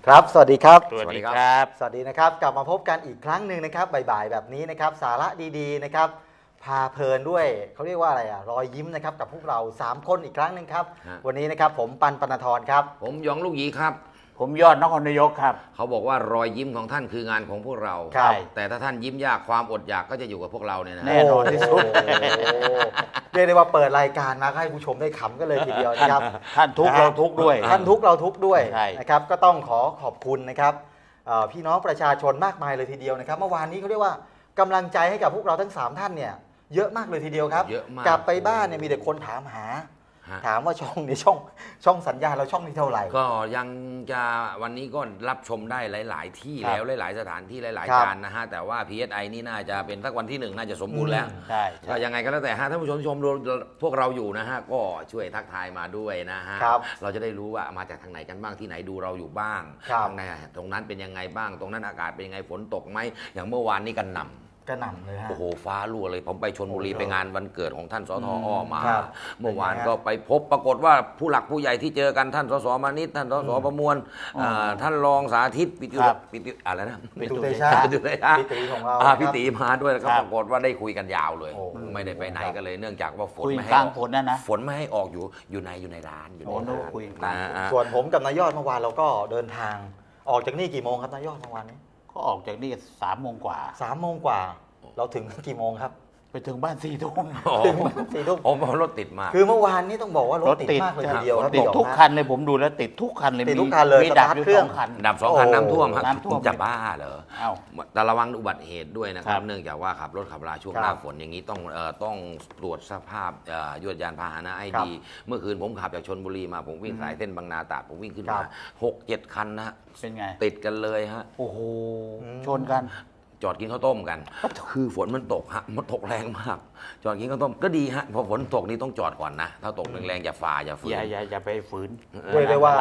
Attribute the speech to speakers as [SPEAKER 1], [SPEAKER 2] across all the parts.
[SPEAKER 1] ครับสวัสดีครับ
[SPEAKER 2] สวัสดีครับ
[SPEAKER 1] สวัสดีนะครับกลับมาพบกันอีกครั้งหนึ่งนะครับบ่ายๆแบบนี้นะครับสาระดีๆนะครับพาเพลินด้วยเขาเรียกว่าอะไรรอยยิ้มนะครับกับพวกเรา3คนอีกครั้งหนึ่งครับวันนี้นะครับผมปันปนธรครับ
[SPEAKER 3] ผมหยองลูกหยีครับ
[SPEAKER 2] ผมยอดนครนายกครับ
[SPEAKER 3] เขาบอกว่ารอยยิ้มของท่านคืองานของพวกเรา แต่ถ้าท่านยิ้มยากความอดอยากก็จะอยู่กับพวกเราเนี่ยนะ
[SPEAKER 2] แน่นอนที่สุด
[SPEAKER 1] เรียกได้ว่าเปิดรายการมาให้ผู้ชมได้ขำกันเลยทีเดียวนะครับ
[SPEAKER 2] ท่านทุกเราทุกด้วย
[SPEAKER 1] ท่านทุกเราทุกด้วยนะครับก็ต้องขอบคุณนะครับพี่น้องประชาชนมากมายเลยทีเดียวนะครับเมื่อวานนี้เขาเรียกว่ากำลังใจให้กับพวกเราทั้ง3ท่านเนี่ยเยอะมากเลยทีเดียวครับกลับไปบ้านเนี่ยมีแต่คนถามหาถามว่าช่องนี้ช่องสัญญาเราช่องนี้เท่าไหร่
[SPEAKER 3] ก็ยังจะวันนี้ก็รับชมได้หลายๆที่แล้วหลายๆสถานที่หลายๆการนะฮะแต่ว่า PSI นี่น่าจะเป็นสักวันที่1น่าจะสมบูรณ์แล้วก็ยังไงก็แล้วแต่ท่านผู้ชมพวกเราอยู่นะฮะก็ช่วยทักทายมาด้วยนะฮะเราจะได้รู้ว่ามาจากทางไหนกันบ้างที่ไหนดูเราอยู่บ้างตรงนั้นเป็นยังไงบ้างตรงนั้นอากาศเป็นยังไงฝนตกไหมอย่างเมื่อวานนี้กันนำ
[SPEAKER 1] กระหน่ำเลยฮะ
[SPEAKER 3] โอ้โหฟ้ารั่วเลยผมไปชลบุรีไปงานวันเกิดของท่านสทอ้อมาเมื่อวานก็ไปพบปรากฏว่าผู้หลักผู้ใหญ่ที่เจอกันท่านสสมานิตท่านสสประมวลท่านรองสาธิตปิติอะไรนะ
[SPEAKER 1] ปิตุเตชะ
[SPEAKER 3] ปิติของเราปิติมาด้วยแล้วก็ปรากฏว่าได้คุยกันยาวเลยไม่ได้ไปไหนกันเลยเนื่องจากว่าฝนไม่ให้ออกฝนไม่ให้ออกอยู่ในร้านอยู่ในร้าน
[SPEAKER 1] ส่วนผมกับนายยอดเมื่อวานเราก็เดินทางออกจากนี่กี่โมงครับนายยอดเมื่อวานนี้
[SPEAKER 2] ก็ออกจากนี่3 โมงกว่า
[SPEAKER 1] 3 โมงกว่าเราถึงกี่โมงครับ
[SPEAKER 2] ไปถึงบ้าน4 ทุ่ม
[SPEAKER 1] ถึงบ้าน4 ทุ่ม
[SPEAKER 3] ผมรถติดมาก
[SPEAKER 1] คือเมื่อวานนี้ต้องบอกว่ารถติดมากเลยทีเดียว
[SPEAKER 2] ติดทุกคันเลยผมดูแล้วติดทุกคันเลย
[SPEAKER 1] ติดทุกคันเลย
[SPEAKER 2] มีดับเครื่อง
[SPEAKER 3] ดับ2 คันน้ำท่วมครับจะบ้าเหรอแต่ระวังอุบัติเหตุด้วยนะครับเนื่องจากว่าขับรถขับราช่วงหน้าฝนอย่างนี้ต้องตรวจสภาพยวดยานพาหนะให้ดีเมื่อคืนผมขับจากชลบุรีมาผมวิ่งสายเส้นบางนาตราดผมวิ่งขึ้นมา6-7 คันนะ
[SPEAKER 2] เป็นไง
[SPEAKER 3] ติดกันเลยฮะ
[SPEAKER 2] โอ้โหชนกัน
[SPEAKER 3] จอดกินข้าวต้มกันคือฝนมันตกฮะมันตกแรงมากจอดกินข้าวต้มก็ดีฮะพอฝนตกนี่ต้องจอดก่อนนะถ้าตกแรงๆอย่าฝ่าอย่าฝืน
[SPEAKER 2] อย่าไปฝืน
[SPEAKER 1] เรียกได้ว่า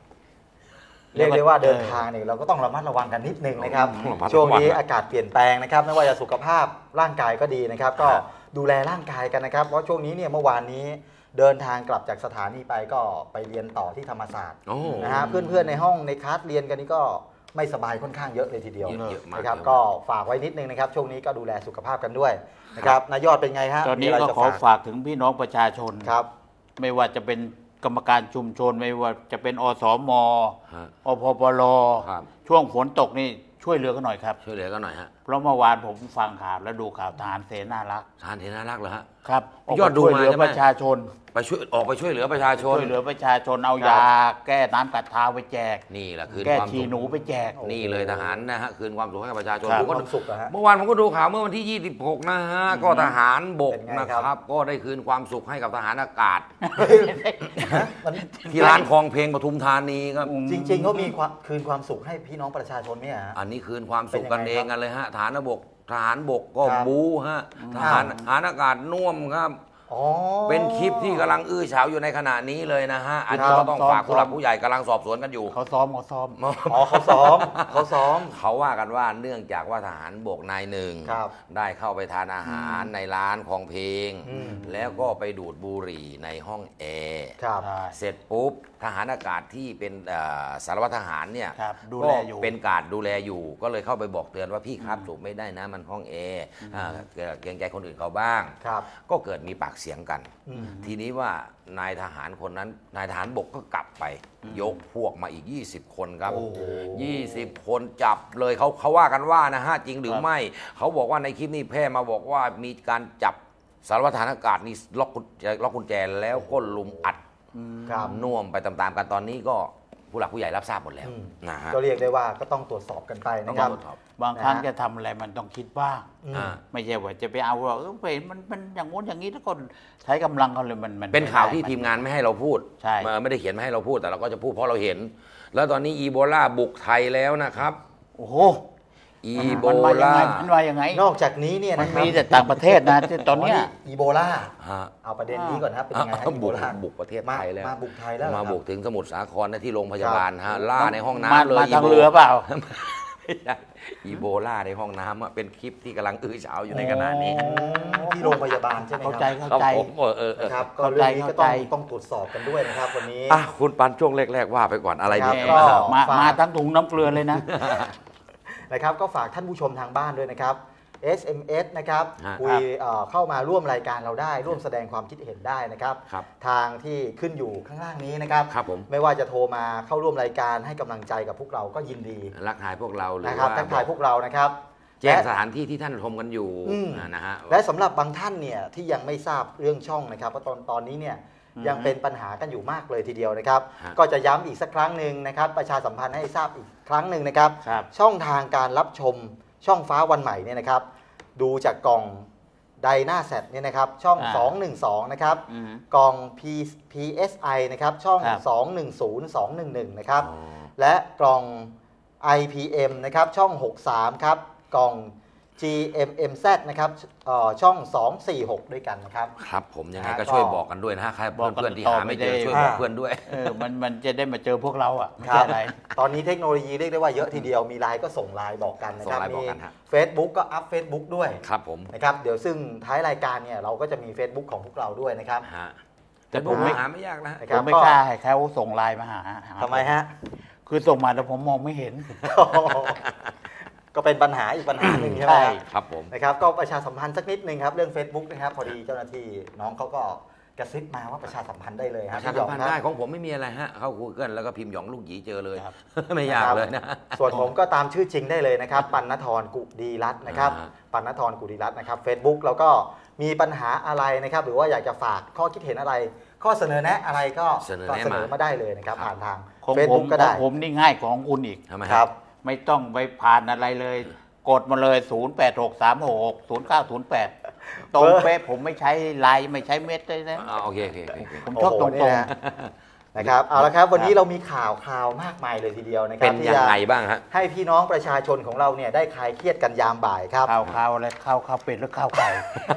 [SPEAKER 1] เดินทางเนี่ยเราก็ต้องระมัดระวังกันนิดนึงนะครับช่วงนี้อากาศเปลี่ยนแปลงนะครับไม่ว่าจะสุขภาพร่างกายก็ดีนะครับก็ดูแลร่างกายกันนะครับเพราะช่วงนี้เนี่ยเมื่อวานนี้เดินทางกลับจากสถานีไปก็ไปเรียนต่อที่ธรรมศาสตร์นะฮะเพื่อนๆในห้องในคลาสเรียนกันนี่ก็ไม่สบายค่อนข้างเยอะเลยทีเดียวนะครับก็ฝากไว้นิดนึงนะครับช่วงนี้ก็ดูแลสุขภาพกันด้วยนะครับนายยอดเป็นไงฮะ
[SPEAKER 2] ตอนนี้ก็ขอฝากถึงพี่น้องประชาชน
[SPEAKER 1] ครับ
[SPEAKER 2] ไม่ว่าจะเป็นกรรมการชุมชนไม่ว่าจะเป็นอสม.อพปล.ช่วงฝนตกนี่ช่วยเหลือกันหน่อยครับ
[SPEAKER 3] ช่วยเหลือกันหน่อยฮะ
[SPEAKER 2] เพราะเมื่อวานผมฟังข่าวแล้วดูข่าวทหารเสนารักษ์
[SPEAKER 3] ทหารเสนารักษ์เหรอฮะ
[SPEAKER 2] ครับยอดดูมาประชาชน
[SPEAKER 3] ออกไปช่วยเหลือประชาชน
[SPEAKER 2] ช่วยเหลือประชาชนเอายาแก้น้ำกัดเท้าไปแจก
[SPEAKER 3] นี่แหละคืน
[SPEAKER 2] แก้ฉี่หนูไปแจก
[SPEAKER 3] นี่เลยทหารนะฮะคืนความสุขให้กับประชาชน
[SPEAKER 1] ความสุขนะฮะ
[SPEAKER 3] เมื่อวานผมก็ดูข่าวเมื่อวันที่26นะฮะก็ทหารบกนะครับก็ได้คืนความสุขให้กับทหารอากาศที่ร้านคลองเพลงปทุมธานีครับ
[SPEAKER 1] จริงๆเขามีคืนความสุขให้พี่น้องประชาชนเนี่ย
[SPEAKER 3] อันนี้คืนความสุขกันเองกันเลยฮะทหารบกก็บู๊ฮะทหารอากาศน่วมครับเป็นคลิปที่กำลังอื้อฉาวอยู่ในขณะนี้เลยนะฮะอันนี้ก็ต้องฝากผู้หลักผู้ใหญ่กำลังสอบสวนกันอยู่
[SPEAKER 2] เขาซ้อม
[SPEAKER 3] เขาว่ากันว่าเนื่องจากว่าทหารบกนายหนึ่งได้เข้าไปทานอาหารในร้านของเพลงแล้วก็ไปดูดบุหรี่ในห้องแอร์เสร็จปุ๊บทหารอากาศที่เป็นสารวัตรทหารเนี่ยก็เป็นการดูแลอยู่ก็เลยเข้าไปบอกเตือนว่าพี่ครับสูบไม่ได้นะมันห้องแอร์เกรงใจคนอื่นเขาบ้างก็เกิดมีปากเสียงกันทีนี้ว่านายทหารคนนั้นนายทหารบกก็กลับไปยกพวกมาอีก20 คนครับ20 คนจับเลยเขาว่ากันว่านะฮะจริงหรือไม่เขาบอกว่าในคลิปนี้แพร่มาบอกว่ามีการจับสารวัตรทหารอากาศนี่ล็อกกุญแจแล้วก็ลุมอัดน่วมไปตามๆกันตอนนี้ก็ผู้หลักผู้ใหญ่รับทราบหมดแล้วนะฮะ
[SPEAKER 1] ก็เรียกได้ว่าก็ต้องตรวจสอบกันไปนะครับ
[SPEAKER 2] บางครั้งจะทำอะไรมันต้องคิดบ้างไม่ใช่ว่าจะไปเอาเราเห็นมันอย่างงู้นอย่างนี้ทุกคนใช้กำลังเขาเลยมัน
[SPEAKER 3] เป็นข่าวที่ทีมงานไม่ให้เราพูดไม่ได้เขียนไม่ให้เราพูดแต่เราก็จะพูดเพราะเราเห็นแล้วตอนนี้อีโบลาบุกไทยแล้วนะครับ
[SPEAKER 2] โอ้โห
[SPEAKER 3] อีโบลา
[SPEAKER 2] มันมายังไง
[SPEAKER 1] นอกจากนี้เนี่ย
[SPEAKER 2] มันมีแต่ต่างประเทศนะตอนนี้
[SPEAKER 1] อีโบลาเอาประเด็นนี้ก่อนครับเป็นยังไง
[SPEAKER 3] บุกประเทศไทยแล้ว
[SPEAKER 1] มาบุกไทยแล้ว
[SPEAKER 3] มาบุกถึงสมุทรสาครที่โรงพยาบาลฮะล่าในห้องน้ำเลย
[SPEAKER 2] มาทางเรือเปล่า
[SPEAKER 3] อีโบลาในห้องน้ำเป็นคลิปที่กำลังอื้อฉาวอยู่ในขณะนี้
[SPEAKER 1] ที่โรงพยาบาลใช่ไหมค
[SPEAKER 2] เข้า
[SPEAKER 1] รับ
[SPEAKER 2] ใจเข้าใจ
[SPEAKER 3] ผม
[SPEAKER 1] นะครับก็เรื่องนี้ก็ต้องตรวจสอบกันด้วยนะครับวันนี้
[SPEAKER 3] คุณปันช่วงแรกๆว่าไปก่อนอะไร
[SPEAKER 1] ครั
[SPEAKER 3] ดี
[SPEAKER 1] บก็
[SPEAKER 2] มาทั้งถุงน้ำเกลือเลยนะ
[SPEAKER 1] นะครับก็ฝากท่านผู้ชมทางบ้านด้วยนะครับ SMS นะครับ
[SPEAKER 3] ฮะ
[SPEAKER 1] คุยเข้ามาร่วมรายการเราได้ร่วมแสดงความคิดเห็นได้นะครับ
[SPEAKER 3] ครับ
[SPEAKER 1] ทางที่ขึ้นอยู่ข้างล่างนี้นะครับ
[SPEAKER 3] ครับผม
[SPEAKER 1] ไม่ว่าจะโทรมาเข้าร่วมรายการให้กำลังใจกับพวกเราก็ยินดี
[SPEAKER 3] รักทายพวกเราหรือ
[SPEAKER 1] นะครับ
[SPEAKER 3] ว่า
[SPEAKER 1] ทักทายพวกเรานะครับ
[SPEAKER 3] แจ้ง
[SPEAKER 1] และ
[SPEAKER 3] สถานที่ที่ท่านชมกันอยู่
[SPEAKER 1] อืม
[SPEAKER 3] นะฮะ
[SPEAKER 1] และสำหรับบางท่านเนี่ยที่ยังไม่ทราบเรื่องช่องนะครับเพราะตอนนี้เนี่ยยังเป็นปัญหากันอยู่มากเลยทีเดียวนะครับ
[SPEAKER 3] ฮะ
[SPEAKER 1] ก็จะย้ำอีกสักครั้งหนึ่งนะครับประชาสัมพันธ์ให้ทราบอีกครั้งหนึ่งนะครับ
[SPEAKER 2] ครับ
[SPEAKER 1] ช่องทางการรับชมช่องฟ้าวันใหม่เนี่ยนะครับ ดูจากกล่องไดนาแซดเนี่ยนะครับช่อง 212 นะครับ
[SPEAKER 2] อืม
[SPEAKER 1] กล่อง PSI นะครับช่อง
[SPEAKER 2] ครับ
[SPEAKER 1] 210 211 นะครับ
[SPEAKER 3] อ๋อ
[SPEAKER 1] และกล่อง IPM นะครับช่อง 63 ครับ กล่อง GMMZ นะครับช่อง 246 ด้วยกันนะครับ
[SPEAKER 3] ครับผมยังไง
[SPEAKER 1] ก็
[SPEAKER 3] ก็ช่วยบอกกันด้วยนะฮะใคร
[SPEAKER 2] บอกกัน
[SPEAKER 3] เพื่อนๆที่
[SPEAKER 2] ต่อ
[SPEAKER 3] หาไม่เจอ
[SPEAKER 2] ไม่ได้
[SPEAKER 3] ช่วยบอกเพื่อนด้วย
[SPEAKER 2] มันจะได้มาเจอพวกเราอ่ะไม่
[SPEAKER 1] ครั
[SPEAKER 2] ใช่
[SPEAKER 1] บ
[SPEAKER 2] อะไร
[SPEAKER 1] ตอนนี้เทคโนโลยีเรียกได้ว่าเยอะทีเดียวมีไลน์ก็ส่งไลน์บอกกันนะครับ
[SPEAKER 3] ส่งไลน์บ
[SPEAKER 1] มี
[SPEAKER 3] อกกันฮะ
[SPEAKER 1] Facebook ก็อัพ Facebook ด้วย
[SPEAKER 3] ครับผม
[SPEAKER 1] นะครับเดี๋ยวซึ่งท้ายรายการเนี่ยเราก็จะมี Facebook ของพวกเราด้วยนะครับ
[SPEAKER 3] ฮะ
[SPEAKER 2] แต่ผมไม่
[SPEAKER 3] หาไม่ยากนะฮะ
[SPEAKER 1] นะค
[SPEAKER 2] ผ
[SPEAKER 1] รับ
[SPEAKER 2] มไม่กล้าให้เขาส่งไลน์มาหา
[SPEAKER 1] ทำไมฮะ
[SPEAKER 2] คือส่งมาแต่ผมมองไม่เห็น
[SPEAKER 1] ก็เป็นปัญหาอีกปัญหาหนึ่งใช่ไหม
[SPEAKER 2] ใช่
[SPEAKER 1] ครับ
[SPEAKER 3] ครับผม
[SPEAKER 1] นะครับก็ประชาสัมพันธ์สักนิดนึงครับเรื่อง Facebook นะครับพอดีเจ้าหน้าที่น้องเขาก็กระซิบมาว่าประชาสัมพันธ์ได้เลย
[SPEAKER 3] ป
[SPEAKER 1] ครับ
[SPEAKER 3] ระชา
[SPEAKER 1] พี่หย
[SPEAKER 3] สั
[SPEAKER 1] อ
[SPEAKER 3] ม
[SPEAKER 1] ง
[SPEAKER 3] พันธ์
[SPEAKER 1] ค
[SPEAKER 3] ได้
[SPEAKER 1] รับ
[SPEAKER 3] ของผมไม่มีอะไรฮะเข้า Google แล้วก็พิมพ์หยองลูกหยีเจอเลย
[SPEAKER 2] ครับ
[SPEAKER 3] ไม่ยากเลยนะ
[SPEAKER 1] ส่วนผมก็ตามชื่อจริงได้เลยนะครับปัณณธรกุดีรัตน์นะครับ
[SPEAKER 3] อ่า
[SPEAKER 1] ปัณณธรกุดีรัตน์นะครับ Facebook แล้วก็มีปัญหาอะไรนะครับหรือว่าอยากจะฝากข้อคิดเห็นอะไร ข้อเสนอแนะอะไรก็เสนอมาได้เลยนะครับผ่านทาง
[SPEAKER 2] ของผม
[SPEAKER 1] Facebook ก็
[SPEAKER 2] ขอ
[SPEAKER 1] ได้
[SPEAKER 2] งผมนี่ง่ายกว่าของคุณอีก
[SPEAKER 3] ทำไม
[SPEAKER 1] ครับ
[SPEAKER 2] ไม่ต้องไปผ่านอะไรเลย กดมาเลย 0863660908 ตรงเป๊ะผมไม่ใช้ไลน์ไม่ใช้เม็ดเลยนะ
[SPEAKER 3] โอเคโอเคโอเค
[SPEAKER 2] ผมชอบตรง
[SPEAKER 1] โอ้โหเนี่ยนะครับเอาละครับวันนี้เรามีข่าวมากมายเลยทีเดียวนะครั
[SPEAKER 3] เป็
[SPEAKER 1] บ
[SPEAKER 3] น
[SPEAKER 1] ที่
[SPEAKER 3] ยัง
[SPEAKER 1] จะ
[SPEAKER 3] ไงบ้างฮะ
[SPEAKER 1] ให้พี่น้องประชาชนของเราเนี่ยได้คลายเครียดกันยามบ่ายครับ
[SPEAKER 2] ข้าวอะไรข้าวเป็ดหรือข้าวไก่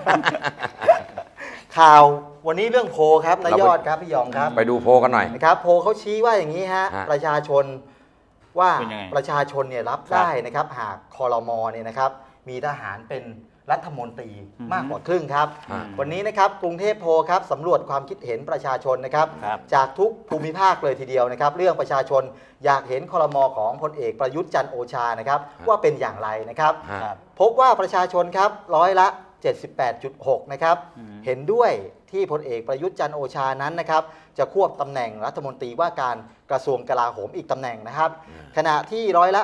[SPEAKER 1] ข่าววันนี้เรื่องโพลครับนายยอดครับพี่หยองครับ
[SPEAKER 3] ไปดูโพลกันหน่อย
[SPEAKER 1] นะครับโพลเขาชี้ว่าอย่างนี้ฮะ
[SPEAKER 3] ฮะ
[SPEAKER 1] ประชาชนว่า
[SPEAKER 2] เป็นยังไง
[SPEAKER 1] ประชาชนเนี่ยรับ
[SPEAKER 2] ครับ
[SPEAKER 1] ได้นะครับหากคอรมอเนี่ยนะครับมีทหารเป็นรัฐมนตรี
[SPEAKER 2] อือฮึ
[SPEAKER 1] มากกว่าครึ่งครับ
[SPEAKER 3] ฮะ
[SPEAKER 1] วันนี้นะครับกรุงเทพโพลครับสำรวจความคิดเห็นประชาชนนะครับ
[SPEAKER 2] ครับ
[SPEAKER 1] จากทุกภูมิภาคเลยทีเดียวนะครับ เรื่องประชาชนอยากเห็นคอรมอของพลเอกประยุทธ์จันทร์โอชานะครับว่าเป็นอย่างไรนะครับ
[SPEAKER 3] ฮะ
[SPEAKER 2] ครับ
[SPEAKER 1] พบว่าประชาชนครับร้อยละ 78.6 นะครับ
[SPEAKER 2] อืม
[SPEAKER 1] เห็นด้วยที่พลเอกประยุทธ์จันทร์โอชานั้นนะครับ จะควบตำแหน่งรัฐมนตรีว่าการกระทรวงกลาโหมอีกตำแหน่งนะครับ ขณะที่ร้อยละ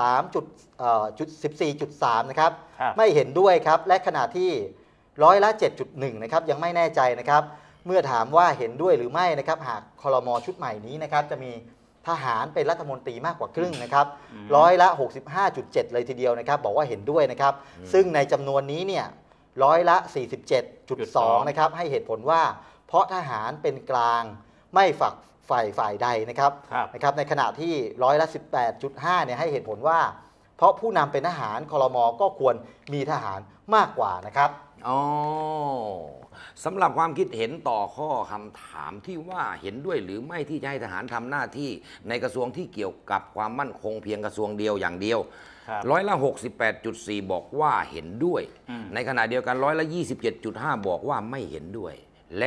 [SPEAKER 1] 14.3 นะครับ
[SPEAKER 2] ครับ
[SPEAKER 1] ไม่เห็นด้วยครับ และขณะที่ร้อยละ 7.1 นะครับ ยังไม่แน่ใจนะครับ เมื่อถามว่าเห็นด้วยหรือไม่นะครับ หากคลมชุดใหม่นี้นะครับ จะมีทหารเป็นรัฐมนตรีมากกว่าครึ่งนะครับ ร้อยละ 65.7 เลยทีเดียวนะครับ บอกว่าเห็นด้วยนะครับ ซึ่งในจำนวนนี้เนี่ยร้อยละ 47.2 นะครับ ให้เหตุผลว่า เพราะทหารเป็นกลางไม่ฝักฝ่ายใดนะครับ
[SPEAKER 2] ครับ
[SPEAKER 1] นะครับ ในขณะที่ร้อยละ 18.5 เนี่ยให้เหตุผลว่า เพราะผู้นำเป็นทหารคลมก็ควรมีทหารมากกว่านะครับ
[SPEAKER 3] อ๋อสำหรับความคิดเห็นต่อข้อคำถามที่ว่าเห็นด้วยหรือไม่ที่จะให้ทหารทำหน้าที่ในกระทรวงที่เกี่ยวกับความมั่นคงเพียงกระทรวงเดียวอย่างเดียว
[SPEAKER 2] ครับ
[SPEAKER 3] ร้อยละ 68.4 บอกว่าเห็นด้วย
[SPEAKER 2] อืม
[SPEAKER 3] ในขณะเดียวกันร้อยละ 27.5 บอกว่าไม่เห็นด้วย และ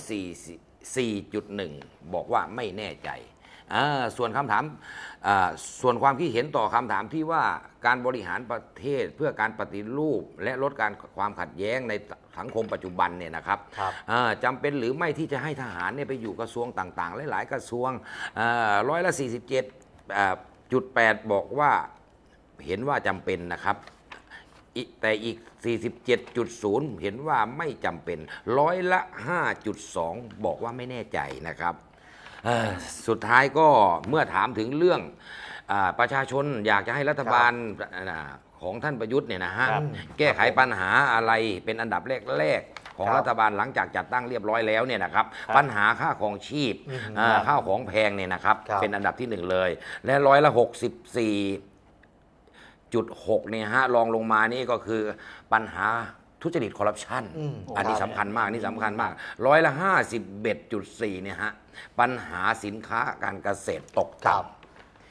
[SPEAKER 3] 144.1 บอกว่าไม่แน่ใจส่วนคำถามส่วนความคิดเห็นต่อคำถามที่ว่าการบริหารประเทศเพื่อการปฏิรูป และลดการความขัดแย้งในสังคมปัจจุบันเนี่ยนะครับ
[SPEAKER 1] ครับ
[SPEAKER 3] จำเป็นหรือไม่ที่จะให้ทหารเนี่ยไปอยู่กระทรวงต่างๆ หลายๆกระทรวงร้อยละ 47.8 บอกว่าเห็นว่าจำเป็นนะครับ แต่อีก 47.0 เห็นว่าไม่จำเป็นร้อยละ 5.2 บอกว่าไม่แน่ใจนะครับสุดท้ายก็เมื่อถามถึงเรื่องประชาชนอยากจะให้รัฐบาลของท่านประยุทธ์เนี่ยนะฮะ
[SPEAKER 2] ครับ
[SPEAKER 3] แก้ไขปัญหาอะไรเป็นอันดับแรกๆของ
[SPEAKER 1] ครับ
[SPEAKER 3] รัฐบาลหลังจากจัดตั้งเรียบร้อยแล้วเนี่ยนะครับ
[SPEAKER 2] ครับ
[SPEAKER 3] ปัญหาค่าของชีพ ข้าวของแพงเนี่ยนะครับ
[SPEAKER 1] ครับ
[SPEAKER 3] เป็นอันดับที่หนึ่งเลย และร้อยละ 64.6 เนี่ยฮะรองลงมานี่ก็คือปัญหาทุจริตคอร์รัปชัน อันนี้
[SPEAKER 1] ครับ
[SPEAKER 3] สำคัญมากนี่สำคัญมากร้อยละ 51.4 เนี่ยฮะปัญหาสินค้าการเกษตรตก
[SPEAKER 1] ครั
[SPEAKER 3] ต่ำ
[SPEAKER 1] บ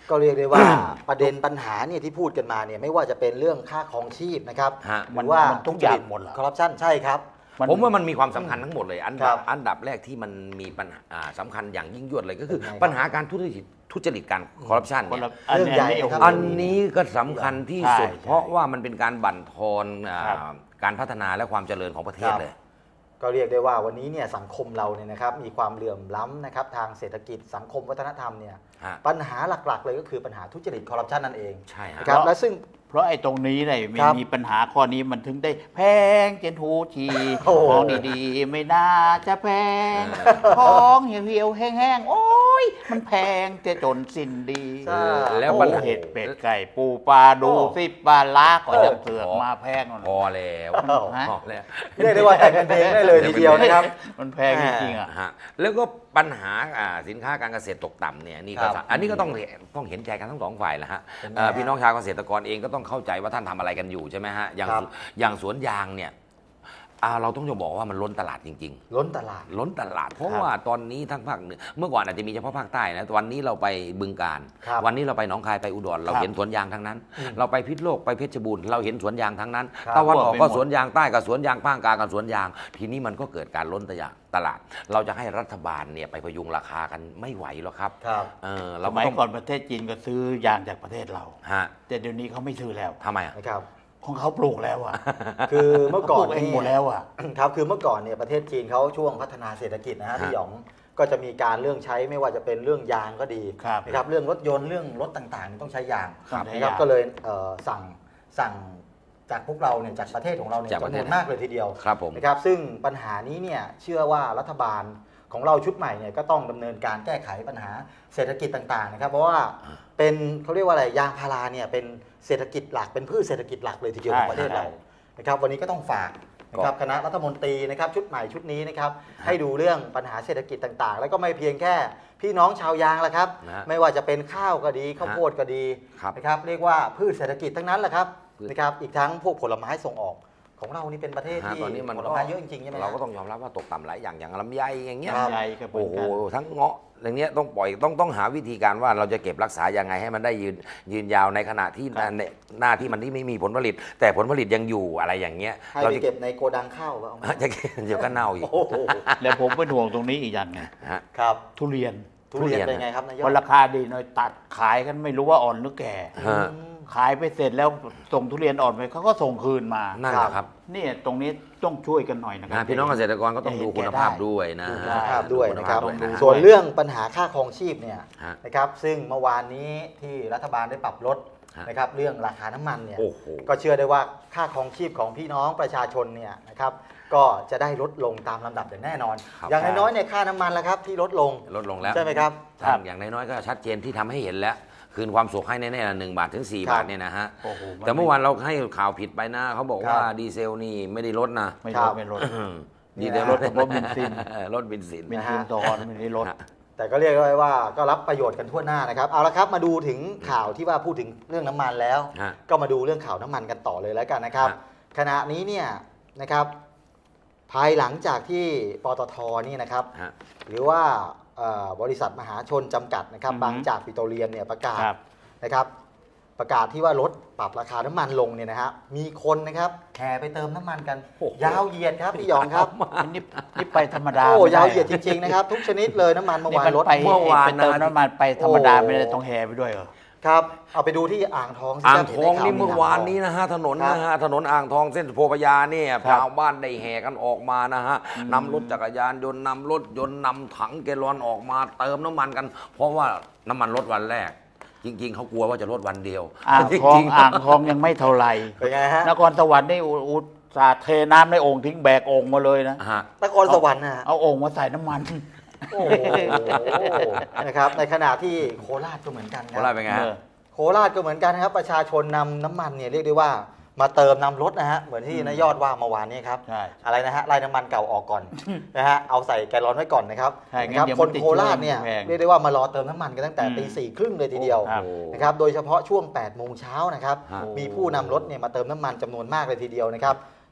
[SPEAKER 1] ก็เรียกได้ว่าประเด็นปัญหาเนี่ยที่พูดกันมาเนี่ยไม่ว่าจะเป็นเรื่องค่าครองชีพนะครับ
[SPEAKER 3] ฮะ
[SPEAKER 1] หรือว่า
[SPEAKER 2] ทุกอย่างหมดเหรอ
[SPEAKER 1] คอร์รัปชันใช่ครับ
[SPEAKER 3] ผมว่ามันมีความสำคัญทั้งหมดเลย
[SPEAKER 1] ครับ
[SPEAKER 3] อันดับแรกที่มันมีปัญหาสำคัญอย่างยิ่งยวดเลยก็คือ
[SPEAKER 1] เป็นไงครับ
[SPEAKER 3] ปัญหาการทุจริตการคอร์รัปชัน
[SPEAKER 2] คน
[SPEAKER 3] เนี่ย
[SPEAKER 2] ละอัน
[SPEAKER 1] เรื่องใหญ่
[SPEAKER 2] นี้
[SPEAKER 1] ครับ
[SPEAKER 3] อันนี้ก็สำคัญที่สุด
[SPEAKER 2] ใช่
[SPEAKER 3] เพราะว่ามันเป็นการบั่นทอน
[SPEAKER 2] ครับ
[SPEAKER 3] การพัฒนาและความเจริญของประเทศ
[SPEAKER 1] ครับ
[SPEAKER 3] เลย
[SPEAKER 1] ก็เรียกได้ว่าวันนี้เนี่ยสังคมเราเนี่ยนะครับมีความเหลื่อมล้ำนะครับทางเศรษฐกิจสังคมวัฒนธรรมเนี่ย
[SPEAKER 3] ฮะ
[SPEAKER 1] ปัญหาหลักๆเลยก็คือปัญหาทุจริตคอร์รัปชันนั่นเอง
[SPEAKER 3] ใช่ฮะ
[SPEAKER 1] นะครับและซึ่ง
[SPEAKER 2] เพราะไอ้ตรงนี้เนี่ยมี
[SPEAKER 1] ครับ
[SPEAKER 2] มีปัญหาข้อนี้มันถึงได้แพงเจนทูที
[SPEAKER 1] โอ้โห
[SPEAKER 2] ของดีๆ ไม่น่าจะแพงของเหี่ยวๆแห้งๆ โอ้ยมันแพงจะจนสิ้นดี
[SPEAKER 1] ใช่
[SPEAKER 3] แล้ว
[SPEAKER 2] โอ้
[SPEAKER 3] ปัญหา
[SPEAKER 2] เห็ดเป็ดไก่ปูปลาดู
[SPEAKER 1] โอ้
[SPEAKER 2] สิปลาล้าก็จะ
[SPEAKER 1] โอ้
[SPEAKER 2] เสือกมาแพงนั่น
[SPEAKER 3] พอแล้ว
[SPEAKER 1] อ้าว
[SPEAKER 2] ฮะ
[SPEAKER 3] พอแล้ว
[SPEAKER 1] เรียกได้ว่าแต่งกันเองได้เลยทีเดียวนะครับ
[SPEAKER 2] มันแพงจริงๆอ่ะ
[SPEAKER 3] ฮะแล้วก็ปัญหาสินค้าการเกษตรตกต่ำเนี่ยนี่ก็
[SPEAKER 1] ครับ
[SPEAKER 3] อันนี้ก็ต้องเห็นใจกันทั้งสองฝ่ายแหละฮะ
[SPEAKER 1] เป็นไง
[SPEAKER 3] พี่น้องชาวเกษตรกรเองก็ต้องเข้าใจว่าท่านทำอะไรกันอยู่ใช่ไหมฮะอย่าง
[SPEAKER 1] ครับ
[SPEAKER 3] อย่างสวนยางเนี่ยเราต้องจะบอกว่ามันล้นตลาดจริง ๆ
[SPEAKER 1] ล้นตลาด
[SPEAKER 3] ล้นตลาด เพราะ
[SPEAKER 2] ครับ
[SPEAKER 3] ว่าตอนนี้ทั้งภาคเหนือเมื่อก่อนอาจจะมีเฉพาะภาคใต้นะแต่วันนี้เราไปบึงกาฬ
[SPEAKER 1] ครับ
[SPEAKER 3] วันนี้เราไปหนองคายไปอุดรเรา
[SPEAKER 2] ครับ
[SPEAKER 3] เห็นสวนยางทั้งนั้น เราไปพิษณุโลกไปเพชรบูรณ์เราเห็นสวนยางทั้งนั้น
[SPEAKER 1] ครับ
[SPEAKER 3] ตะวันออกก็
[SPEAKER 2] ทั่วไปหมด
[SPEAKER 3] สวนยางใต้กับสวนยางภาคกลางกับสวนยาง ทีนี้มันก็เกิดการล้นตลาด เราจะให้รัฐบาลเนี่ยไปพยุงราคากันไม่ไหวหรอกครับ
[SPEAKER 1] ครับ
[SPEAKER 2] ส
[SPEAKER 3] เรา
[SPEAKER 2] มัย
[SPEAKER 3] ต้อง
[SPEAKER 2] ก่อนประเทศจีนก็ซื้อยางจากประเทศเรา
[SPEAKER 3] ฮะ
[SPEAKER 2] แต่เดี๋ยวนี้เขาไม่ซื้อแล้ว
[SPEAKER 3] ทำไมอ่ะ
[SPEAKER 1] นะครับ
[SPEAKER 2] ของเขาปลูกแล้วอ่ะ
[SPEAKER 1] คือเมื่อก่อน
[SPEAKER 2] ขาปลูเองหมดแล้วอ่ะ
[SPEAKER 1] ครับคือเมื่อก่อนเนี่ยประเทศจีนเขาช่วงพัฒนาเศรษฐกิจนะฮะ
[SPEAKER 3] ฮะ
[SPEAKER 1] พี่หยองก็จะมีการเรื่องใช้ไม่ว่าจะเป็นเรื่องยางก็ดี
[SPEAKER 2] ครับ
[SPEAKER 1] นะครับเรื่องรถยนต์เรื่องรถต่างๆนี่ต้องใช้ยาง
[SPEAKER 2] ครับ
[SPEAKER 1] นะครับ
[SPEAKER 2] ใช้ยาง
[SPEAKER 1] ก็เลยสั่งจากพวกเราเนี่ยจากประเทศของเราเนี่ย
[SPEAKER 3] จากประ
[SPEAKER 1] จำ
[SPEAKER 3] เท
[SPEAKER 1] น
[SPEAKER 3] ศ
[SPEAKER 1] วนมากเลยทีเดียว
[SPEAKER 3] ครับผม
[SPEAKER 1] นะครับซึ่งปัญหานี้เนี่ยเชื่อว่ารัฐบาลของเราชุดใหม่เนี่ยก็ต้องดำเนินการแก้ไขปัญหาเศรษฐกิจต่างๆนะครับเพราะว่าเป็นเขาเรียกว่าอะไรยางพาราเนี่ยเป็นเศรษฐกิจหลักเป็นพืชเศรษฐกิจหลักเลยทีเดียวของประเทศเรา นะครับวันนี้ก็ต้องฝากนะครับคณะรัฐมนตรีนะครับชุดใหม่ชุดนี้นะครับให้ดูเรื่องปัญหาเศรษฐกิจต่างๆ แล้วก็ไม่เพียงแค่พี่น้องชาวยางละครับ
[SPEAKER 3] นะฮะ
[SPEAKER 1] ไม่ว่าจะเป็นข้าวก็ดีข้าวโพดก็ดี
[SPEAKER 3] ครับ
[SPEAKER 1] นะครับเรียกว่าพืชเศรษฐกิจทั้งนั้นแหละครับ
[SPEAKER 3] พืช
[SPEAKER 1] นะครับอีกทั้งพวกผลไม้ส่งออกของเรานี่เป็นประเทศ
[SPEAKER 3] ฮะ
[SPEAKER 1] ที่
[SPEAKER 3] ตอนนี้มัน
[SPEAKER 1] ผลไม้เยอะจริงๆใช่ไหม
[SPEAKER 3] เราก็ต้องยอมรับว่าตกต่ำหลายอย่างลำไยอย่างเงี้ย
[SPEAKER 1] ครับ
[SPEAKER 2] ใหญ่ก็เหมือ
[SPEAKER 3] โอ้
[SPEAKER 2] น
[SPEAKER 3] โห
[SPEAKER 2] กัน
[SPEAKER 3] ทั้งเงาะอย่างเนี้ยต้องปล่อยต้องหาวิธีการว่าเราจะเก็บรักษายังไงให้มันได้ยืนยาวในขณะที่
[SPEAKER 2] ครับ
[SPEAKER 3] หน้าที่มันที่ไม่มีผลผลิต แต่ผลผลิตยังอยู่อะไรอย่างเงี้ย
[SPEAKER 1] ให้
[SPEAKER 3] เรา
[SPEAKER 1] ไป
[SPEAKER 3] จะ
[SPEAKER 1] เก็บในโกดังข้าวเอาไหม
[SPEAKER 3] จะเก็บเดี๋ยวก็เน่าอีก
[SPEAKER 1] โอ้โห
[SPEAKER 2] แล้วผมเป็นห่วงตรงนี้อีกอย่างไง
[SPEAKER 3] ฮะ
[SPEAKER 1] ครับ
[SPEAKER 2] ทุเรียน
[SPEAKER 1] ทุเรียนเป็นไงครับนาย
[SPEAKER 2] พ
[SPEAKER 1] ก
[SPEAKER 2] อราคาดีหน่อยตัดขายกันไม่รู้ว่าอ่อนหรือแก่
[SPEAKER 3] ฮะ
[SPEAKER 2] ขายไปเสร็จแล้วส่งทุเรียนอ่อนไปเขาก็ส่งคืนมา
[SPEAKER 3] นั่นแหละครับ
[SPEAKER 2] นี่ตรงนี้ต้องช่วยกันหน่อยนะครั
[SPEAKER 3] นะพี่น้องเกษตรกรก็ต้องดูคุณภาพด้วยนะ
[SPEAKER 1] ดู
[SPEAKER 3] ฮะ
[SPEAKER 1] คุณภาพด้วยนะครับ
[SPEAKER 3] ดูณภาพด้วยนะ
[SPEAKER 1] ส่วนเรื่องปัญหาค่าครองชีพเนี่ย
[SPEAKER 3] ฮะ
[SPEAKER 1] นะครับซึ่งเมื่อวานนี้ที่รัฐบาลได้ปรับลด
[SPEAKER 3] ฮะ
[SPEAKER 1] นะครับเรื่องราคาน้ำมันเนี่ย
[SPEAKER 3] โอ้โห
[SPEAKER 1] ก็เชื่อได้ว่าค่าครองชีพของพี่น้องประชาชนเนี่ยนะครับก็จะได้ลดลงตามลำดับอย่างแน่นอน
[SPEAKER 3] ครับ
[SPEAKER 1] อย่างน้อยๆเนี่ยค่าน้ำมันละครับที่ลดลง
[SPEAKER 3] ลดลงแล้ว
[SPEAKER 1] ใช่ไหมครับ
[SPEAKER 3] ครับอย่างน้อยๆก็ชัดเจนที่ทำให้เห็นแล้ว คืนความสุขให้แน่ๆละ1 บาทถึง 4
[SPEAKER 1] ครับ
[SPEAKER 3] บาทเนี่ยนะฮะ
[SPEAKER 2] โอ้โห
[SPEAKER 3] แต่เมื่อวานเราให้ข่าวผิดไปนะเขาบอกว่า
[SPEAKER 1] ครับ
[SPEAKER 3] ดีเซลนี่ไม่ได้ลดนะ
[SPEAKER 2] ไม่
[SPEAKER 1] ครั
[SPEAKER 2] ลด
[SPEAKER 1] บ
[SPEAKER 2] ไม่ลด
[SPEAKER 3] ดีเซล
[SPEAKER 2] ลดเฉพาะเบนซิน
[SPEAKER 3] ลดเบนซิน
[SPEAKER 2] เบนซินตอนไม่ได้ลด
[SPEAKER 1] แต่ก็เรียกได้ว่าก็รับประโยชน์กันทั่วหน้านะครับเอาละครับมาดูถึงข่าวที่ว่าพูดถึงเรื่องน้ำมันแล้ว
[SPEAKER 3] ฮะ
[SPEAKER 1] ก็มาดูเรื่องข่าวน้ำมันกันต่อเลยแล้วกันนะครับ
[SPEAKER 3] ฮะ
[SPEAKER 1] ขณะนี้เนี่ยนะครับภายหลังจากที่ปตทนี่นะครับ
[SPEAKER 3] ฮะ
[SPEAKER 1] หรือว่าบริษัทมหาชนจำกัดนะครับ
[SPEAKER 2] อือฮึ
[SPEAKER 1] บางจากปิโตรเลียมเนี่ยประกาศ
[SPEAKER 2] ครับ
[SPEAKER 1] นะครับ ประกาศที่ว่าลดปรับราคาน้ำมันลงเนี่ยนะฮะมีคนนะครับแห่ไปเติมน้ำมันกัน
[SPEAKER 3] โอ้โห
[SPEAKER 1] ยาวเหยียดครับพี่หยองครับ
[SPEAKER 2] นี่ไปธรรมดา
[SPEAKER 1] โอ้
[SPEAKER 2] ไม่ได้
[SPEAKER 1] ยาวเหยียดจริงๆนะครับ ทุกชนิดเลยน้ำมันเมื่อวานลด
[SPEAKER 2] ไป
[SPEAKER 3] เมื่อวาน
[SPEAKER 2] ไปเติม
[SPEAKER 3] นะ
[SPEAKER 2] น้ำมันไปธรรมดา
[SPEAKER 1] โอ้
[SPEAKER 2] ไม่ได้ต้องแห่ไปด้วยเหรอ
[SPEAKER 1] ครับเอาไปดูที่อ่างทองสิ
[SPEAKER 3] อ่าง
[SPEAKER 1] ครับ
[SPEAKER 3] ทอง
[SPEAKER 1] ห็
[SPEAKER 3] นี่
[SPEAKER 1] ใข่
[SPEAKER 3] เมื่อวานนี้นะฮะถนน
[SPEAKER 1] ครับ
[SPEAKER 3] นะฮะถนนอ่างทองเส้นโพธิ์พญาเนี่ย
[SPEAKER 2] ครับ
[SPEAKER 3] ชาวบ้านได้แห่กันออกมานะฮะนำรถจักรยานยนต์นำรถยนต์นำถังแกลลอนออกมาเติมน้ำมันกัน เพราะว่าน้ำมันลดวันแรก จริง ๆเขากลัวว่าจะลดวันเดียว
[SPEAKER 2] อ่างทอง
[SPEAKER 3] จริๆ
[SPEAKER 2] อ่างทองยังไม่เท่าไหร่
[SPEAKER 1] เป็นไงฮะ
[SPEAKER 2] นครสวรรค์นี่อุตส่าห์เทน้ำในโอ่งทิ้งแบกโอ่งมาเลยนะ
[SPEAKER 3] ฮะ
[SPEAKER 1] นครสวรรค์นะฮะ
[SPEAKER 2] เอาโอ่งมาใส่น้ำมัน
[SPEAKER 1] โอ้โหนะครับในขณะที่โคราชก็เหมือนกันค
[SPEAKER 3] โคราช
[SPEAKER 1] รับ
[SPEAKER 3] เป็นไงฮะ
[SPEAKER 1] โคราชก็เหมือนกันนะครับประชาชนนำน้ำมันเนี่ยเรียกได้ว่ามาเติมนำรถนะฮะเหมือนที่นายยอดว่าเมื่อวานนี้ครับ
[SPEAKER 2] ใช่
[SPEAKER 1] อะไรนะฮะไล่น้ำมันเก่าออกก่อนนะฮะเอาใส่แกลลอนไว้ก่อนนะครับ
[SPEAKER 2] ใช่
[SPEAKER 1] นะครับ
[SPEAKER 2] งั้นเดี๋ยว
[SPEAKER 1] ค
[SPEAKER 2] มัน นติด
[SPEAKER 1] โคราชเนี่ย
[SPEAKER 2] เครื่องแพง
[SPEAKER 1] เรียกได้ว่ามารอเติมน้ำมันกันตั้งแต่
[SPEAKER 2] อืม
[SPEAKER 1] ตี 4:30เลยทีเดียว
[SPEAKER 2] ครับ
[SPEAKER 1] นะครับโดยเฉพาะช่วง 8 โมงเช้านะครับ
[SPEAKER 3] ฮะ
[SPEAKER 1] มีผู้นำรถเนี่ยมาเติมน้ำมันจำนวนมากเลยทีเดียวนะครับ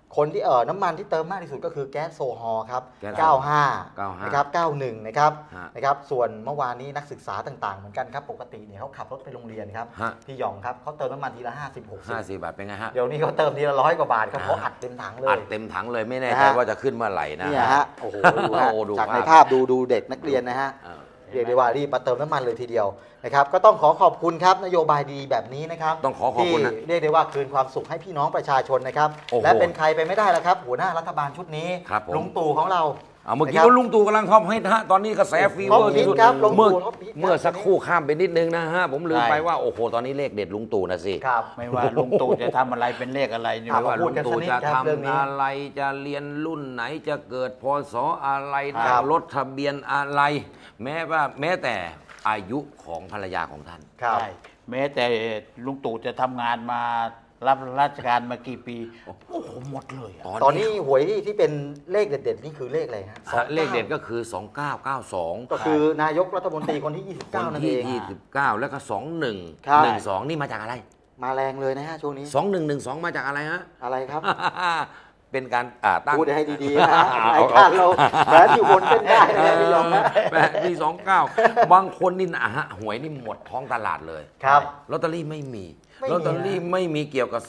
[SPEAKER 1] คนที่น้ำมันที่เติมมากที่สุดก็คือแก๊สโซฮอล์ครับ
[SPEAKER 3] แก๊ส
[SPEAKER 1] 95 นะครับ 91 นะครับ
[SPEAKER 3] ฮะ
[SPEAKER 1] นะครับ ส่วนเมื่อวานนี้นักศึกษาต่างๆเหมือนกันครับ ปกติเนี่ยเขาขับรถไปโรงเรียนครับ
[SPEAKER 3] ฮะ
[SPEAKER 1] พี่หยองครับเขาเติมน้ำมันทีละ 50-60
[SPEAKER 3] บาทเป็นไงฮะ
[SPEAKER 1] เดี๋ยวนี้เขาเติมทีละ100 กว่าบาทครับเขาอัดเต็มถังเลย
[SPEAKER 3] อัดเต็มถังเลยไม่แน่ใจ
[SPEAKER 1] นะฮะ
[SPEAKER 3] ว่าจะขึ้นเมื่อไหร่นะ
[SPEAKER 1] เนี่ยฮะ โอ้โหดูฮะ
[SPEAKER 3] โอ้ดู
[SPEAKER 1] จาก
[SPEAKER 3] ภาพ
[SPEAKER 1] ในภาพดูเด็กนักเรียนนะฮะ เรียกได้ว่ารีบมาเติมน้ำมันเลยทีเดียวนะครับก็ต้องขอบคุณครับนโยบายดีแบบนี้นะครับ
[SPEAKER 3] ต้องขอบคุณนะ
[SPEAKER 1] ที่เรียกได้ว่าคืนความสุขให้พี่น้องประชาชนนะครับ
[SPEAKER 3] โอ้โห
[SPEAKER 1] และเป็นใครไปไม่ได้แล้วครับ หัวหน้ารัฐบาลชุดนี้
[SPEAKER 3] ครับผม
[SPEAKER 1] ลุงตู่ของเรา
[SPEAKER 3] เมื่อกี้
[SPEAKER 1] นะครับ
[SPEAKER 3] ว่าลุงตู่กำลังท็อปฮิตฮะตอนนี้กระแสฟีเวอร์ที่สุด
[SPEAKER 1] ท็อปฮิตครับลุงตู่
[SPEAKER 3] เมื่อ
[SPEAKER 1] ท็อปฮิตครับ
[SPEAKER 3] เมื่อสักครู่ข้ามไปนิดนึงนะฮะผมลืม
[SPEAKER 2] ใช่
[SPEAKER 3] ไปว่าโอ้โหตอนนี้เลขเด็ดลุงตู่นะสิ
[SPEAKER 1] ครับ
[SPEAKER 2] ไม่ว่าลุงตู่จะทำอะไรเป็นเลขอะไรนี่
[SPEAKER 1] ครับ
[SPEAKER 3] ไม่ว่า
[SPEAKER 1] พู
[SPEAKER 3] ลุ
[SPEAKER 1] ด
[SPEAKER 3] ง
[SPEAKER 1] กันสัก
[SPEAKER 3] ตู่
[SPEAKER 1] นิด
[SPEAKER 3] จะ
[SPEAKER 1] ครับเรื่อง
[SPEAKER 3] ทำ
[SPEAKER 1] นี้
[SPEAKER 3] อะไรจะเรียนรุ่นไหนจะเกิดพศอะไร
[SPEAKER 1] ครั
[SPEAKER 3] จะ
[SPEAKER 1] บ
[SPEAKER 3] รถทะเบียนอะไร แม้แต่อายุของภรรยาของท่าน
[SPEAKER 1] ครับ
[SPEAKER 2] ใช่แม้แต่ลุงตู่จะทำงานมารับราชการมากี่ปี โอ้โหหมดเลยอะ
[SPEAKER 1] ตอนนี้หวยที่เป็นเลขเด็ดๆนี่คือเลขอะไรฮะ
[SPEAKER 3] เลขเด็ดก็คือ 2992
[SPEAKER 1] ก็คือนายกรัฐมนตรีคนที่
[SPEAKER 3] คน
[SPEAKER 1] 29 นั่น
[SPEAKER 3] ที่
[SPEAKER 1] เอง
[SPEAKER 3] 29 แล้วก็
[SPEAKER 1] ครับ
[SPEAKER 3] 2112 นี่มาจากอะไร
[SPEAKER 1] มาแรงเลยนะฮะช่วงนี้
[SPEAKER 3] 2112 มาจากอะไรฮะ
[SPEAKER 1] อะไรครับ
[SPEAKER 3] เป็นการตั้ง
[SPEAKER 1] พูดให้ดีๆนะฮะรายการเราแม้ที่วนเป็นได้นะพี่ยองนะ
[SPEAKER 3] ปี29 บางคนนี่นะฮะหวยนี่หมดท้องตลาดเลย
[SPEAKER 1] ครับ
[SPEAKER 3] ลอตเตอรี่ไม่มี
[SPEAKER 1] ไม่มี
[SPEAKER 3] ลอตเตอรี่ไม่มีเกี่ยวกับ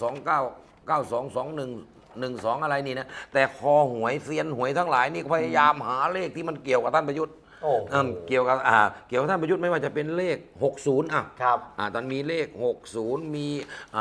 [SPEAKER 3] 29922112 อะไรนี่นะ แต่คอหวยเซียนหวยทั้งหลายนี่พยายามหาเลขที่มันเกี่ยวกับท่านประยุทธ์
[SPEAKER 1] โอ้โห
[SPEAKER 3] เกี่ยวกับท่านประยุทธ์ไม่ว่าจะเป็นเลข 60อ่ะ
[SPEAKER 1] ครับ
[SPEAKER 3] ตอนมีเลข 60 มี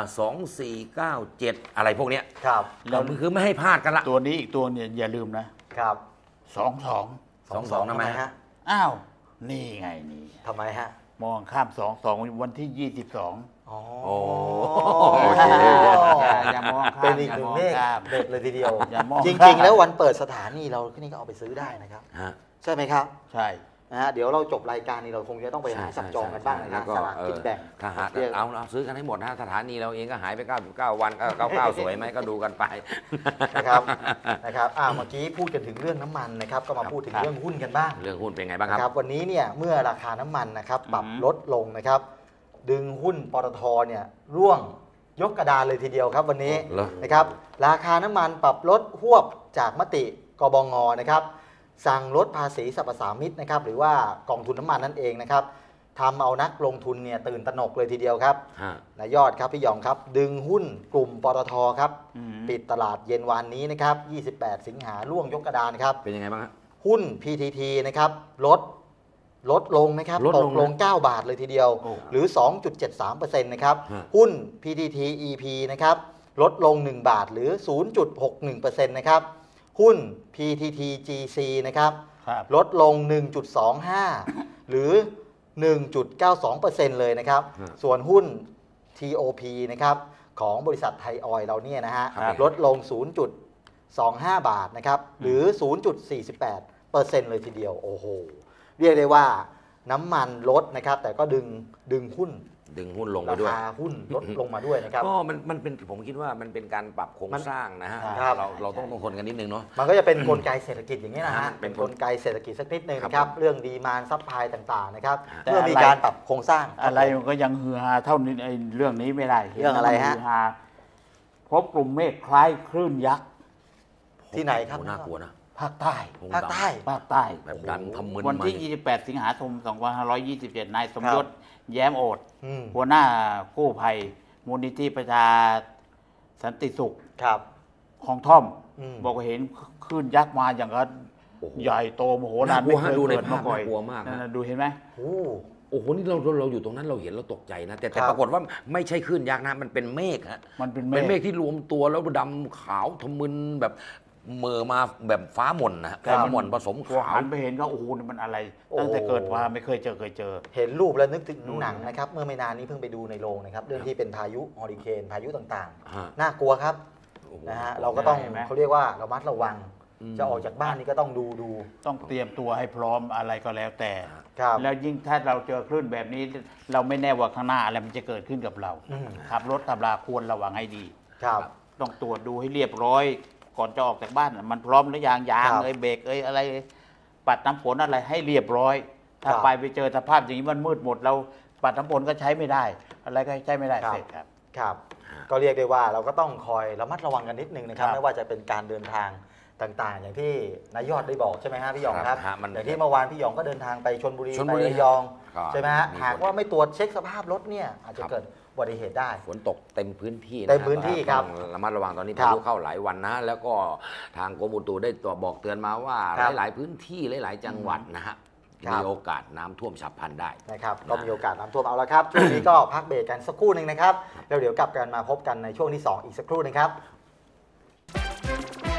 [SPEAKER 3] 2497 อะไรพวกเนี้ย
[SPEAKER 1] ครับ
[SPEAKER 3] เราคือไม่ให้พลาดกันละ
[SPEAKER 2] ตัวนี้อีกตัวเนี่ยอย่าลืมนะครับ 22
[SPEAKER 3] 22ทำไมฮะ
[SPEAKER 2] อ้าว นี่ไงนี่
[SPEAKER 1] ทำไมฮะ
[SPEAKER 2] มองข้าม 22 วันที่ 22
[SPEAKER 1] อ๋อ
[SPEAKER 3] โอ้
[SPEAKER 1] โอเค
[SPEAKER 2] อย่ามองข้าม
[SPEAKER 1] เป็นอีกหนึ่งเลข
[SPEAKER 2] อย่ามองข้าม
[SPEAKER 1] เด็ดเลยทีเดียว
[SPEAKER 2] อย่ามอง
[SPEAKER 1] จ
[SPEAKER 2] ข้าม
[SPEAKER 1] ริง ๆ แล้ววันเปิดสถานีเราที่นี่ก็เอาไปซื้อได้นะครับ
[SPEAKER 3] ฮะ
[SPEAKER 1] ใช่ไหมครับ
[SPEAKER 2] ใช่
[SPEAKER 1] นะฮะเดี๋ยวเราจบรายการนี้เราคงจะต้องไปหาจับจองกันบ้างนะ
[SPEAKER 3] แล้วก็
[SPEAKER 1] สลากกินแบ่ง
[SPEAKER 3] ถ้าหา
[SPEAKER 1] เรียก
[SPEAKER 3] เอาซื้อกันให้หมดนะสถานีเราเองก็หายไป99 วัน99 สวยไหมก็ดูกันไป
[SPEAKER 1] นะครับนะครับเมื่อกี้พูดกันถึงเรื่องน้ำมันนะครับก็มาพูดถึง
[SPEAKER 2] ครับ
[SPEAKER 1] เรื่องหุ้นกันบ้าง
[SPEAKER 3] เรื่องหุ้นเป็นไงบ้าง
[SPEAKER 1] นะค
[SPEAKER 3] ค
[SPEAKER 1] รั
[SPEAKER 3] รั
[SPEAKER 1] บบ วันนี้เนี่ยเมื่อราคาน้ำมันนะครับปรับ
[SPEAKER 2] อืม
[SPEAKER 1] ลดลงนะครับดึงหุ้นปตทเนี่ยร่วงยกกระดานเลยทีเดียวครับวันนี้
[SPEAKER 3] เหรอ
[SPEAKER 1] นะครับราคาน้ำมันปรับลดหวบจากมติกบงนะครับสั่งลดภาษีสรรพสามิตนะครับหรือว่ากองทุนน้ำมันนั่นเองนะครับทำเอานักลงทุนเนี่ยตื่นตระหนกเลยทีเดียวครับ
[SPEAKER 3] ฮะ
[SPEAKER 1] นายยอดครับพี่หยองครับดึงหุ้นกลุ่มปตทครับ
[SPEAKER 2] อืม
[SPEAKER 1] ปิดตลาดเย็นวานนี้นะครับ28 สิงหาร่วงยกกระดานครับ
[SPEAKER 3] เป็นยังไงบ้างฮะ
[SPEAKER 1] หุ้น PTT นะครับลดลงนะครับ
[SPEAKER 3] ลด
[SPEAKER 1] ต
[SPEAKER 3] ล
[SPEAKER 1] ก
[SPEAKER 3] ง
[SPEAKER 1] ลง 9 บาทเลยทีเดียว
[SPEAKER 2] โอ้
[SPEAKER 1] หรือ 2.73% นะครับ
[SPEAKER 3] ฮะ
[SPEAKER 1] หุ้น PTT EP นะครับลดลง 1 บาทหรือ 0.61%นะครับหุ้น PTT GC นะครับ
[SPEAKER 2] ครับ
[SPEAKER 1] ลดลง 1.25 หรือ 1.92% เลยนะครับ ส่วนหุ้น TOP นะครับของบริษัทไทยออยล์เราเนี่ยนะฮะ
[SPEAKER 2] ครับ
[SPEAKER 1] ลดลง 0.25 บาทนะครับหรือ 0.48% เลยทีเดียวโอ้โหเรียกได้ว่าน้ำมันลดนะครับแต่ก็ดึงหุ้น
[SPEAKER 3] ดึงหุ้นลงไป
[SPEAKER 1] รา
[SPEAKER 3] ด้วย
[SPEAKER 1] คาหุ้นลดลงมาด้วยนะครับ
[SPEAKER 3] ก็มันเป็นผมคิดว่ามันเป็นการปรับโครงสร้างนะฮะ
[SPEAKER 1] ครับ
[SPEAKER 3] เราต้องทนกันนิดนึงเนาะ
[SPEAKER 1] มันก็จะเป็นกลไกเศรษฐกิจอย่างนี้นะฮะ
[SPEAKER 3] เป็
[SPEAKER 1] เป็น
[SPEAKER 3] น
[SPEAKER 1] ก
[SPEAKER 3] ก
[SPEAKER 1] ล
[SPEAKER 3] ล
[SPEAKER 1] ไกเศรษฐกิจสักนิดหนึง
[SPEAKER 3] ครับ
[SPEAKER 1] นะครับ
[SPEAKER 3] ผม
[SPEAKER 1] เรื่องดีมานซัพพลายต่างๆนะครับ
[SPEAKER 2] แต่
[SPEAKER 1] เมื่อมี
[SPEAKER 2] อะไร
[SPEAKER 1] การปรับโครงสร้าง
[SPEAKER 2] อะไรมันก็ยังฮือฮาเท่านี้ไอ้เรื่องนี้ไม่ได้
[SPEAKER 1] เรื่องอะไรฮะ
[SPEAKER 2] ฮืฮาพบกลุ่มเมฆคล้ายคลื่นยักษ์
[SPEAKER 1] ที่ไหนครับ
[SPEAKER 3] โอ้น่ากลัวนะ
[SPEAKER 2] ภาคใต้
[SPEAKER 1] ภาคใต้
[SPEAKER 2] ภาคใต้
[SPEAKER 3] แบบดันทำมึน
[SPEAKER 2] วันที่
[SPEAKER 3] มา
[SPEAKER 2] 28 สิงหาคม 2527 นายสมยศ แย้มโอด
[SPEAKER 1] อืม
[SPEAKER 2] หัวหน้ากู้ภัยมูลนิธิประชาสันติสุข
[SPEAKER 1] ครับ
[SPEAKER 2] ของท่อม
[SPEAKER 1] อืม
[SPEAKER 2] บอกว่าเห็นคลื่นยักษ์มาอย่างก็
[SPEAKER 3] โอ้โห
[SPEAKER 2] ใหญ่โตมโหฬาร
[SPEAKER 3] น่ากลัว
[SPEAKER 2] ไม่เคย
[SPEAKER 3] ฮะดูใน
[SPEAKER 2] เกิดมา
[SPEAKER 3] ภาพ
[SPEAKER 2] ก่อน
[SPEAKER 3] น่ากลัวมากฮะ
[SPEAKER 2] นั่นน่ะดูเห็นไหม
[SPEAKER 1] โอ้
[SPEAKER 3] โอ้โหนี่เราอยู่ตรงนั้นเราเห็นเราตกใจนะ แต่
[SPEAKER 1] ครับ
[SPEAKER 3] ปรากฏว่าไม่ใช่คลื่นยักษ์นะมันเป็นเมฆฮะ
[SPEAKER 2] มันเป็น
[SPEAKER 3] เป็น
[SPEAKER 2] เม
[SPEAKER 3] เม
[SPEAKER 2] ฆ
[SPEAKER 3] ฆที่รวมตัวแล้วดำขาวทะมึนแบบเหมื่อมาแบบฟ้าหม่นนะฮะ
[SPEAKER 1] ครับ
[SPEAKER 3] ฟ้าหม่นผสม
[SPEAKER 2] ตัว
[SPEAKER 3] ขาว
[SPEAKER 2] หันไปเห็นก็โอ้โหนี่มันอะไร
[SPEAKER 1] โอ้
[SPEAKER 2] ตั้งแต่เกิดมาไม่เคยเจอ
[SPEAKER 1] เห็นรูปแล้วนึกถึงหนังนะครับเมื่อไม่นานนี้เพิ่งไปดูในโรงนะครับเรื่องที่เป็นพายุฮอริเคนพายุต่าง
[SPEAKER 3] ฮะ
[SPEAKER 1] ๆ น่ากลัวครับ
[SPEAKER 3] โอ้โห
[SPEAKER 1] นะฮะเราก็ต้อง
[SPEAKER 2] เห็นไหม
[SPEAKER 1] เขาเรียกว่าระมัดระวัง
[SPEAKER 3] อืม
[SPEAKER 1] จะออกจากบ้านนี่ก็ต้องดู
[SPEAKER 2] ต้องเตรียมตัวให้พร้อมอะไรก็แล้วแต่
[SPEAKER 1] ครับ
[SPEAKER 2] แล้วยิ่งถ้าเราเจอคลื่นแบบนี้ เราไม่แน่ว่าข้างหน้าอะไรมันจะเกิดขึ้นกับเรา
[SPEAKER 1] อืม
[SPEAKER 2] ขับรถขับราควรระวังให้ดี
[SPEAKER 1] ครับ
[SPEAKER 2] ต้องตรวจดูให้เรียบร้อย ก่อนจะออกจากบ้านมันพร้อมหรือยังยาง
[SPEAKER 1] ครับ
[SPEAKER 2] เอ้ยเบรกเอ้ยอะไรปัดน้ำฝนอะไรให้เรียบร้อย ถ้า
[SPEAKER 1] ครับ
[SPEAKER 2] ไปเจอสภาพอย่างนี้มันมืดหมดเราปัดน้ำฝนก็ใช้ไม่ได้ อะไรก็ใช้ไม่ได้
[SPEAKER 1] ครับ
[SPEAKER 2] เสร็จครับ
[SPEAKER 1] ครับก็เรียกได้ว่าเราก็ต้องคอยระมัดระวังกันนิดนึงนะครับ
[SPEAKER 2] ครับ
[SPEAKER 1] ไม่ว่าจะเป็นการเดินทางต่างๆ อย่างที่นายยอดได้บอกใช่ไหมฮะพี่หยองครับ
[SPEAKER 3] ครับมัน
[SPEAKER 1] อย่างที่เมื่อวานพี่หยองก็เดินทางไปชลบุรี
[SPEAKER 3] ชล
[SPEAKER 1] ไป
[SPEAKER 3] บุรี
[SPEAKER 1] ระยอง
[SPEAKER 3] ครับ
[SPEAKER 1] ใช่ไหมฮะ
[SPEAKER 3] มี
[SPEAKER 1] หากว่าไม่ตรวจเช็คสภาพรถเนี่ยอาจจะ
[SPEAKER 3] ครับ
[SPEAKER 1] เกิดอุบัติเหตุได้
[SPEAKER 3] ฝนตกเต็มพื้นที่ะ
[SPEAKER 1] เต็มพื้นที่ครับ
[SPEAKER 3] ต้องระมัดระวังตอนนี้
[SPEAKER 1] ครั
[SPEAKER 3] พา
[SPEAKER 1] บ
[SPEAKER 3] ยุเข้าหลายวันนะ แล้วก็ทางกรมอุตุได้ตัวบอกเตือนมาว่า
[SPEAKER 1] ครับ
[SPEAKER 3] หลายๆพื้นที่หลายๆจังหวัดนะฮะ
[SPEAKER 1] ครับ
[SPEAKER 3] มีโอกาสน้ำท่วมฉับพลันได้
[SPEAKER 1] นะครับก็มีโอกาสน้ำท่วมเอาละครับ ช่วงนี้ก็พักเบรกกันสักครู่หนึ่งนะครับแล้วเดี๋ยวกลับกันมาพบกันในช่วงที่ 2 อีกสักครู่หนึงครับ